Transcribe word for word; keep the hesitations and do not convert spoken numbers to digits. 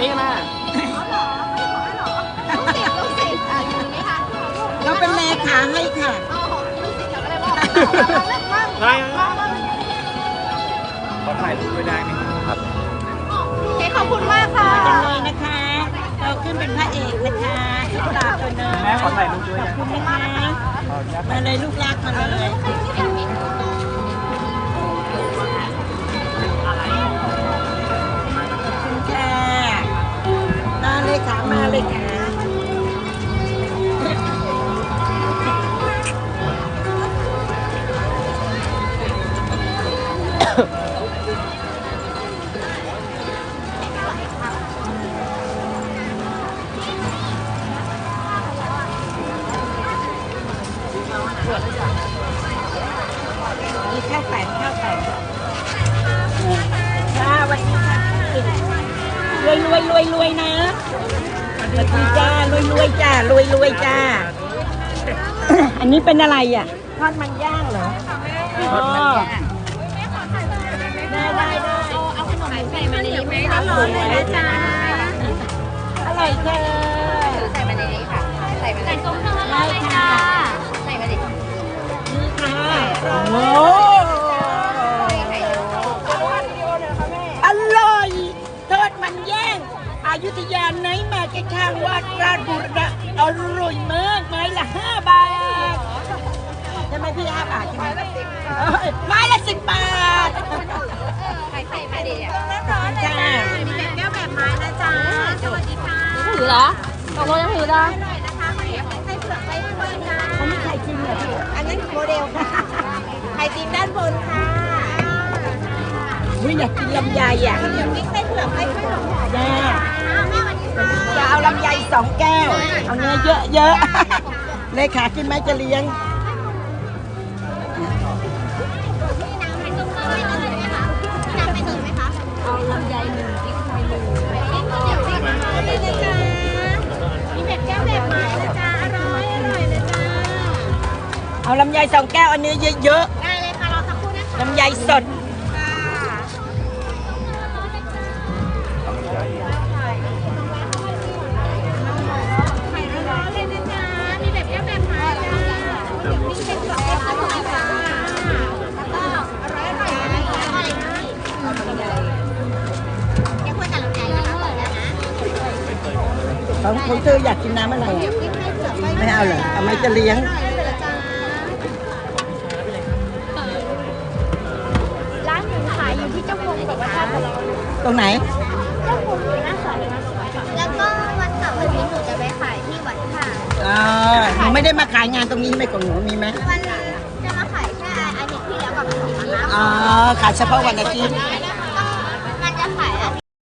นี้นะลูกศิษย์ลูกศิษย์อ่ะอยู่นี่ค่ะเราเป็นเลขาให้ค่ะอ๋อลูกศิษย์เขาก็เลยบอกมั่งใช่มั่งมั่งขอถ่ายรูปด้วยได้ไหมครับโอเคขอบคุณมากค่ะจังเลยนะคะเราขึ้นเป็นพระเอกนะคะตาตัวเนินแม่ขอถ่ายรูปด้วยขอบคุณนะคะมาเลยลูกรักมาเลยขอบคุณค่ะมาเลยค่ะมาเลยค่ะมีข้าวแตนข้าวแตนค่ะวันนี้ค่ะรวยรวยรวยรวยนะสวัสดีจ้ารวยรวยจ้ารวยรวยจ้า อันนี้เป็นอะไรอ่ะทอดมันย่างเหรออ๋อได้ได้ได้เอาขนมใส่มาในนี้ไหมร้อนเลยนะจ๊ะอร่อยเธอใส่มาในนี้ค่ะใส่มาใส่ซุ้มเท่านั้นเลยจ้าใส่มาดินี่ค่ะโอ้อร่อยทอดมันย่างอยุธยาไหนมาแค่ข้างวัดราชบุรณะอร่อยมากไม้ละห้าบาทใช่ไหมพี่ห้าบาทใช่ไหมไม้ละสิบบาทใส่ใส่มาดิอ่ะร้อนจ้ามีแบบแก้วแบบไม้นะจ๊ะสวัสดีค่ะถือเหรอตกลงจะถือเหรออร่อยนะคะวันนี้ไส้เผือกไส้กล้วยจ้าเขาไม่ใครจริงเหรอพี่อันนั้นโมเดลค่ะไข่ตีนด้านบนค่ะอุ้ยอยากกินลำไยอ่ะเดี๋ยวกิ๊กไส้เผือกไส้กล้วยหอมจ้าๆแม่วันนี้ค่ะจะเอาลำไยสองแก้ว เอาเนื้อเยอะๆ เลขากินไหมจะเลี้ยงน้ำไข่ต้มเกลือไม่เลยไหมคะน้ำไข่ต้มไหมคะเอาลำไยหนึ่งพริกไทยหนึ่งเดี๋ยวสิคะเลยนะจ๊ะมีแบบแก้วแบบไม้นะจ๊ะอร่อยอร่อยเลยจ้าเอาลำไยสองแก้วเอาเนื้อเยอะได้เลยค่ะรอสักครู่นะคะๆ ลำไยสดไข่ร้อนๆเลยนะจ๊ะมีแบบแก้วแบบไม้จ้ามีเป็นแบบแก้วอร่อยค่ะแล้วก็อร่อยอร่อยอร่อยแก้วคุยกับลำไยนะคะเปิดแล้วนะของของเธออยากกินน้ำอะไรอ่ะ ไม่เอาเหรอเอาไหมจะเลี้ยงร้านหนูขายอยู่ที่เจ้าพงกับวัดท่าพลตรงไหนเจ้าพงอยู่หน้าสอนนะแล้วก็วันเสาร์อาทิตย์หนูจะไปขายที่วัดท่าอ๋อหนูไม่ได้มาขายงานตรงนี้ใช่ไหมของหนูมีไหมวันจะมาขายแค่อาทิตย์ที่แล้วกับอาทิตย์นี้อ๋อ ขายเฉพาะวันอาทิตย์ใช่